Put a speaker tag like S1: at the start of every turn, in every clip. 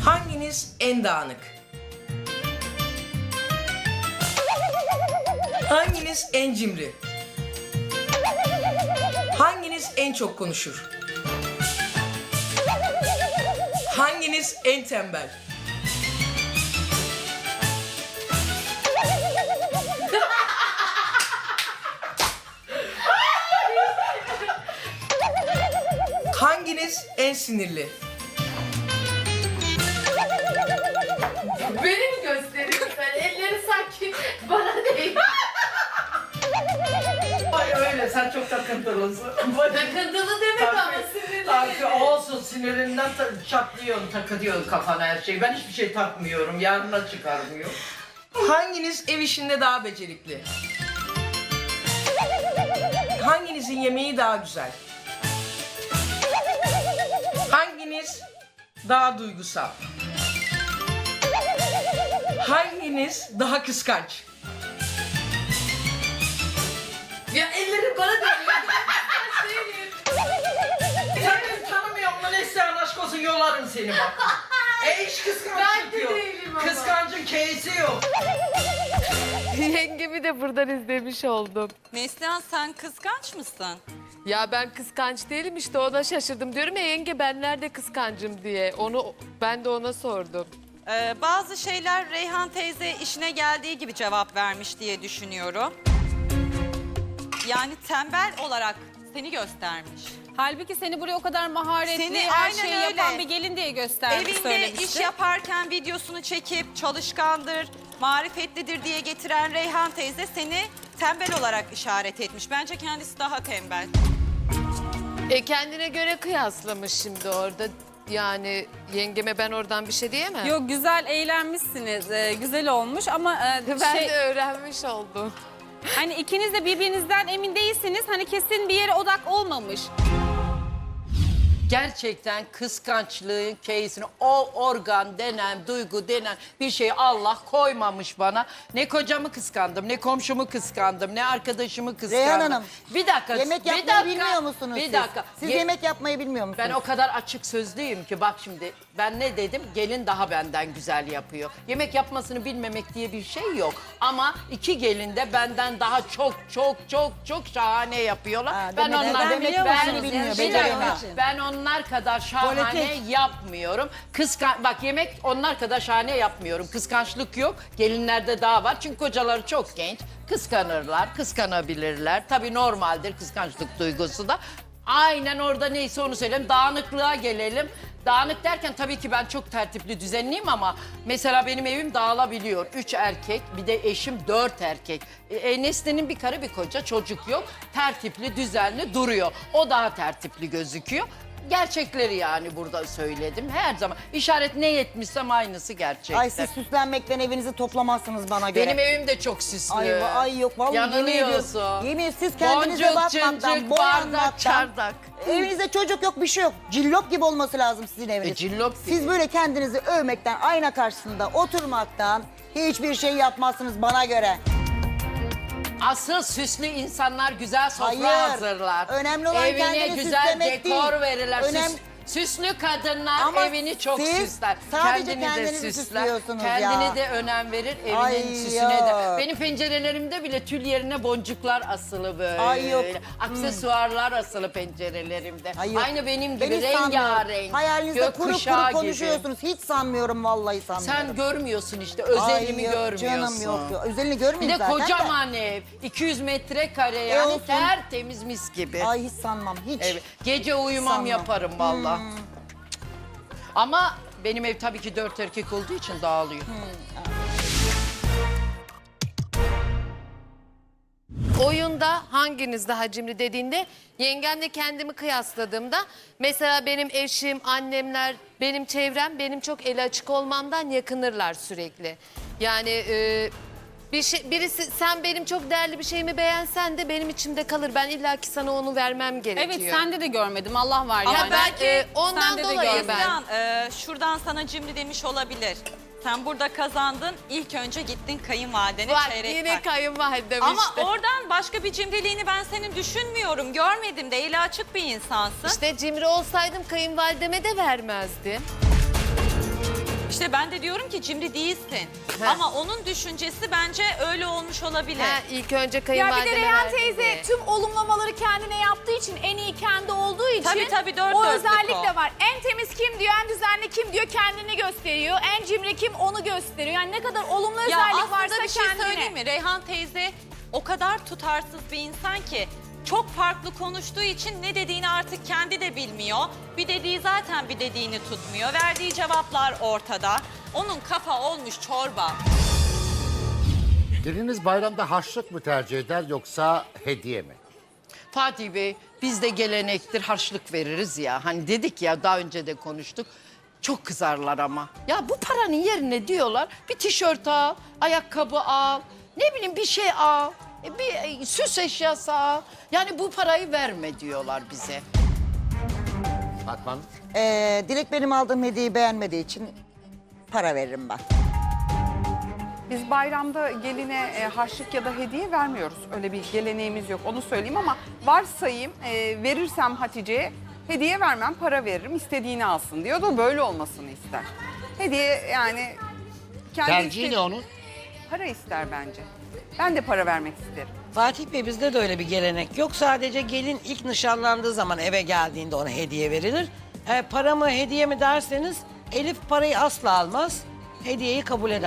S1: Hanginiz en dağınık? Hanginiz en cimri? Hanginiz en çok konuşur? Hanginiz en tembel? Hanginiz en sinirli?
S2: Beni mi gösteriyorsun sen? Elleri sanki bana değil.
S3: Ay öyle, sen çok takıntılısın.
S2: Takıntılı demek ama sinirli.
S3: Tabii olsun, sinirinden çatlıyorsun, takılıyorsun kafana her şeyi. Ben hiçbir şey takmıyorum, yarına çıkarmıyorum.
S1: Hanginiz ev işinde daha becerikli? Hanginizin yemeği daha güzel? Hanginiz daha duygusal? Hanginiz daha kıskanç?
S2: Ya ellerim bana değiyor.
S3: Sen beni tanımıyorsun lan, Neslihan aşk olsun, yolarım seni bak. Hiç
S2: Ben
S3: kıskançlık
S2: de
S3: yok.
S2: değilim ama.
S3: Kıskancın keyisi yok.
S4: Yengemi de buradan izlemiş oldum.
S5: Neslihan, sen kıskanç mısın?
S4: Ya ben kıskanç değilim, işte ona şaşırdım. Diyorum ya yenge, ben nerede kıskancım diye. Ben de ona sordum.
S5: Bazı şeyler Reyhan teyze işine geldiği gibi cevap vermiş diye düşünüyorum. Yani tembel olarak seni göstermiş.
S6: Halbuki seni buraya o kadar maharetli,
S5: Seni
S6: her
S5: aynen
S6: şeyi
S5: öyle.
S6: yapan bir gelin diye göstermiş,
S5: Evinde
S6: söylemişti.
S5: iş yaparken videosunu çekip çalışkandır, marifetlidir diye getiren Reyhan teyze seni tembel olarak işaret etmiş. Bence kendisi daha tembel.
S4: Kendine göre kıyaslamış şimdi orada. Yani yengeme ben oradan bir şey diyemem.
S6: Yok, güzel eğlenmişsiniz, güzel olmuş ama
S4: Ben de öğrenmiş oldum.
S6: hani ikiniz de birbirinizden emin değilsiniz. Hani kesin bir yere odak olmamış.
S3: Gerçekten kıskançlığın keyisini, o organ denen, duygu denen bir şeyi Allah koymamış bana. Ne kocamı kıskandım, ne komşumu kıskandım, ne arkadaşımı kıskandım.
S7: Reyhan Hanım,
S3: bir dakika,
S7: Yemek
S3: bir
S7: yapmayı
S3: dakika,
S7: bilmiyor musunuz
S3: bir
S7: siz?
S3: dakika.
S7: Siz yemek yapmayı bilmiyor musunuz?
S3: Ben o kadar açık sözlüyüm ki bak şimdi ben ne dedim? Gelin daha benden güzel yapıyor. Yemek yapmasını bilmemek diye bir şey yok. Ama iki gelin de benden daha çok şahane yapıyorlar.
S7: Ha,
S3: ben
S7: demek-
S3: onlar
S7: demek ki bilmiyor,
S3: bir
S7: beceriyor
S3: dakika,
S7: için.
S3: ben onlar kadar şahane
S7: Politik.
S3: yapmıyorum. Bak yemek onlar kadar şahane yapmıyorum. Kıskançlık yok. Gelinlerde daha var. Çünkü kocaları çok genç. Kıskanırlar, kıskanabilirler. Tabii normaldir kıskançlık duygusu da. Aynen orada neyse onu söyleyelim. Dağınıklığa gelelim. Dağınık derken tabii ki ben çok tertipli, düzenliyim ama mesela benim evim dağılabiliyor. 3 erkek, bir de eşim 4 erkek. Nesli'nin bir karı bir koca, çocuk yok. Tertipli, düzenli duruyor. O daha tertipli gözüküyor. Gerçekleri yani burada söyledim. Her zaman işaret ne yetmişsem aynısı gerçekten.
S7: Ay siz süslenmekten evinizi toplamazsınız bana göre.
S3: Benim evim de çok süslü.
S7: Ay yok vallahi yemin ediyorum.
S3: Yanılıyorsun.
S7: Yemin ediyorum, siz kendinize
S3: Boncuk,
S7: bakmaktan,
S3: cıncık, bardak,
S7: boyanmaktan.
S3: çardak.
S7: Evinizde çocuk yok, bir şey yok. Cillop gibi olması lazım sizin eviniz.
S3: Cillop gibi.
S7: Siz böyle kendinizi övmekten, ayna karşısında oturmaktan hiçbir şey yapmazsınız bana göre.
S3: Asıl süslü insanlar güzel sofra
S7: Hayır.
S3: hazırlar.
S7: Önemli olan
S3: Evine
S7: kendini
S3: güzel
S7: süslemek
S3: dekor
S7: değil.
S3: verirler. Süslü kadınlar
S7: Ama
S3: evini çok
S7: siz
S3: süsler.
S7: sadece
S3: Kendini de
S7: kendinizi
S3: süsler.
S7: süslüyorsunuz
S3: Kendini
S7: ya.
S3: de önem verir. Evinin
S7: Ay
S3: süsüne
S7: yok.
S3: de. Benim pencerelerimde bile tül yerine boncuklar asılı böyle.
S7: Ay yok.
S3: Aksesuarlar asılı pencerelerimde.
S7: Ay yok.
S3: Aynı benim
S7: Ben
S3: gibi
S7: hiç sanmıyorum.
S3: rengarenk.
S7: Hayalinize kuru
S3: gökkuşağı
S7: kuru
S3: gibi.
S7: konuşuyorsunuz. Hiç sanmıyorum, vallahi sanmıyorum.
S3: Sen görmüyorsun işte.
S7: Ay
S3: Özelimi
S7: yok
S3: görmüyorsun.
S7: Canım yok. Özelini
S3: Bir
S7: görmeyeyim
S3: de
S7: zaten
S3: kocaman ev. 200 metrekare yani
S7: olsun.
S3: tertemiz mis gibi.
S7: Ay hiç sanmam, hiç.
S3: Evet. Gece uyumam
S7: Sanmam.
S3: yaparım valla. Ama benim ev tabii ki 4 erkek olduğu için dağılıyor.
S4: Oyunda hanginiz daha cimri dediğinde yengemle kendimi kıyasladığımda mesela benim eşim, annemler, benim çevrem benim çok eli açık olmamdan yakınırlar sürekli. Yani birisi sen benim çok değerli bir şeyimi beğensen de benim içimde kalır. Ben illaki sana onu vermem gerekiyor.
S6: Evet, sende de görmedim, Allah var
S4: Ama
S6: yani.
S4: belki ondan
S6: Sende de
S4: dolayı
S6: görmedim.
S4: ben.
S5: Neslihan, şuradan sana cimri demiş olabilir. Sen burada kazandın, ilk önce gittin kayınvalidene
S4: Bak
S5: çeyrek
S4: yine
S5: tak.
S4: kayınvalidem
S5: Ama
S4: işte.
S5: oradan başka bir cimriliğini ben senin düşünmüyorum. Görmedim de eli açık bir insansın.
S4: İşte cimri olsaydım kayınvalideme de vermezdim.
S5: İşte ben de diyorum ki cimri değilsin. Ama onun düşüncesi bence öyle olmuş olabilir.
S4: Ha, ilk önce
S6: Ya bir
S4: kayınvalideme
S6: de Reyhan
S4: verdim
S6: teyze
S4: diye.
S6: tüm olumlamaları kendine yaptığı için, en iyi kendi olduğu için
S5: Tabii, dört
S6: o
S5: dörtlük
S6: özellik
S5: o.
S6: de var. En temiz kim diyor, en düzenli kim diyor, kendini gösteriyor. En cimri kim, onu gösteriyor. Yani ne kadar olumlu
S5: Ya
S6: özellik varsa
S5: aslında bir şey
S6: kendine.
S5: söyleyeyim mi? Reyhan teyze o kadar tutarsız bir insan ki çok farklı konuştuğu için ne dediğini artık kendi de bilmiyor. Bir dediği zaten bir dediğini tutmuyor. Verdiği cevaplar ortada. Onun kafa olmuş çorba.
S8: Geliniz bayramda harçlık mı tercih eder yoksa hediye mi?
S3: Fatih Bey, bizde gelenektir, harçlık veririz ya. Hani dedik ya, daha önce de konuştuk. Çok kızarlar ama. Ya bu paranın yerine diyorlar bir tişört al, ayakkabı al, ne bileyim bir şey al, bir süs eşyası al. Yani bu parayı verme diyorlar bize.
S8: Fatma Hanım?
S7: Dilek benim aldığım hediyeyi beğenmediği için para veririm ben.
S9: Biz bayramda geline harçlık ya da hediye vermiyoruz. Öyle bir geleneğimiz yok, onu söyleyeyim ama varsayayım verirsem Hatice'ye hediye vermem, para veririm, istediğini alsın diyor da böyle olmasını ister. Hediye yani kendi
S8: Tercihi ne onun?
S9: Para ister bence. Ben de para vermek isterim.
S10: Fatih Bey, bizde de öyle bir gelenek yok. Sadece gelin ilk nişanlandığı zaman eve geldiğinde ona hediye verilir. Para mı hediye mi derseniz Elif parayı asla almaz. Hediyeyi kabul eder.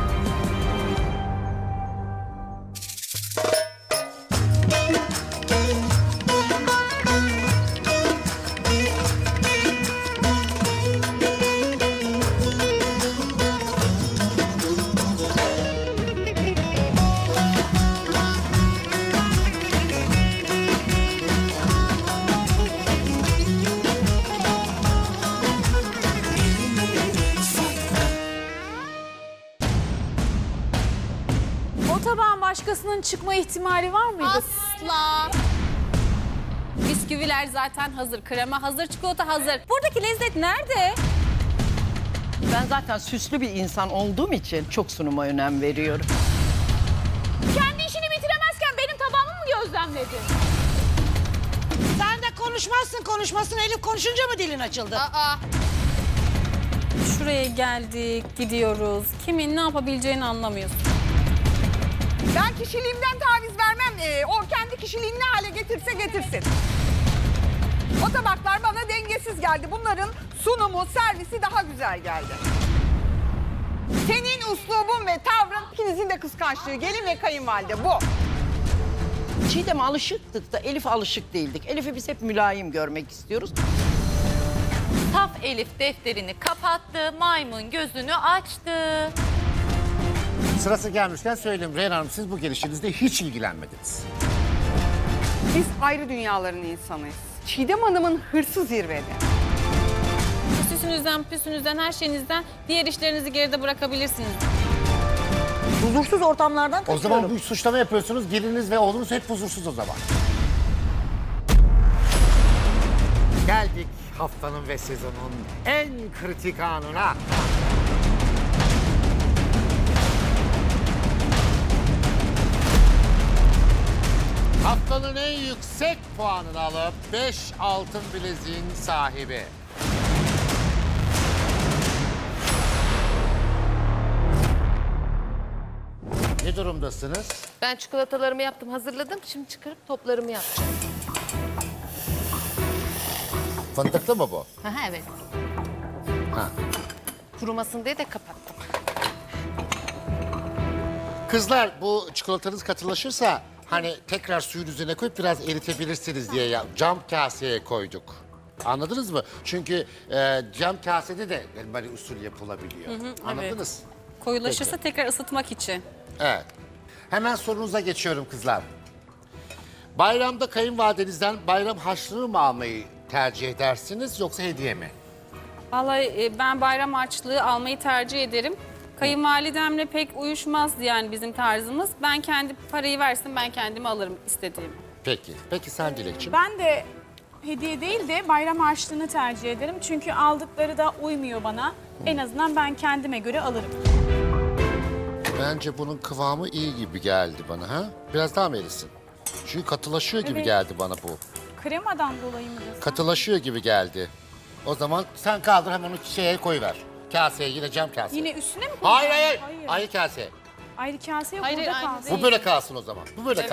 S6: O tabağın başkasının çıkma ihtimali var mıydı?
S2: Asla.
S6: Bisküviler zaten hazır, krema hazır, çikolata hazır. Buradaki lezzet nerede?
S3: Ben zaten süslü bir insan olduğum için çok sunuma önem veriyorum.
S6: Kendi işini bitiremezken benim tabağımı mı gözlemledin?
S10: Sen de konuşmazsın. Elif konuşunca mı dilin açıldı?
S6: Şuraya geldik, gidiyoruz. Kimin ne yapabileceğini anlamıyorsun.
S9: Ben kişiliğimden taviz vermem. O kendi kişiliğini ne hale getirse getirsin. O tabaklar bana dengesiz geldi. Bunların sunumu, servisi daha güzel geldi. Senin üslubun ve tavrın, ikinizin de kıskançlığı, gelin ve kayınvalide bu.
S3: Çiğdem'e alışıktık da Elif'e alışık değildik. Elif'i biz hep mülayim görmek istiyoruz.
S5: Saf Elif defterini kapattı, maymun gözünü açtı.
S8: Sırası gelmişken söyleyeyim Reyhan Hanım, siz bu gelişinizde hiç ilgilenmediniz.
S9: Biz ayrı dünyaların insanıyız. Çiğdem Hanım'ın hırsı zirvede.
S6: Süsünüzden, püsünüzden, her şeyinizden diğer işlerinizi geride bırakabilirsiniz.
S7: Huzursuz ortamlardan
S8: O
S7: kaçıyorum.
S8: zaman bu suçlama yapıyorsunuz, geliniz ve oğlunuz hep huzursuz o zaman. Geldik haftanın ve sezonun en kritik anına. Haftanın en yüksek puanını alıp 5 altın bileziğin sahibi. Ne durumdasınız?
S4: Ben çikolatalarımı yaptım, hazırladım. Şimdi çıkarıp toplarımı yapacağım.
S8: Fındıklı mı bu?
S4: Evet.
S8: Ha.
S4: Kurumasın diye de kapattım.
S8: Kızlar, bu çikolatanız katılaşırsa hani tekrar suyun üzerine koyup biraz eritebilirsiniz diye cam kaseye koyduk. Anladınız mı? Çünkü cam kasede de elmali usul yapılabiliyor. Anladınız?
S6: Koyulaşırsa tekrar ısıtmak için.
S8: Evet. Hemen sorunuza geçiyorum kızlar. Bayramda kayınvalidenizden bayram harçlığı mı almayı tercih edersiniz yoksa hediye mi?
S6: Vallahi ben bayram harçlığı almayı tercih ederim. Kayınvalidemle pek uyuşmaz yani bizim tarzımız. Ben kendi parayı versin, ben kendime alırım istediğimi.
S8: Peki. Peki sen Dilekçim?
S11: Ben de hediye değil de bayram harçlığını tercih ederim. Çünkü aldıkları da uymuyor bana. En azından ben kendime göre alırım.
S8: Bence bunun kıvamı iyi gibi geldi bana ha? Biraz daha mı erisin? Çünkü katılaşıyor gibi
S11: Evet.
S8: geldi bana bu.
S11: Kremadan dolayı mı diyorsun?
S8: Katılaşıyor gibi geldi. O zaman sen kaldır hemen o şeye koyver. kaseye, yine cam kase.
S11: Yine üstüne mi
S8: Hayır
S11: koyacağım?
S8: hayır. Ayrı kase.
S11: Ayrı kase yok,
S5: Hayır,
S11: burada
S5: aynı
S11: kalsın.
S8: Bu böyle kalsın o zaman. Bu böyle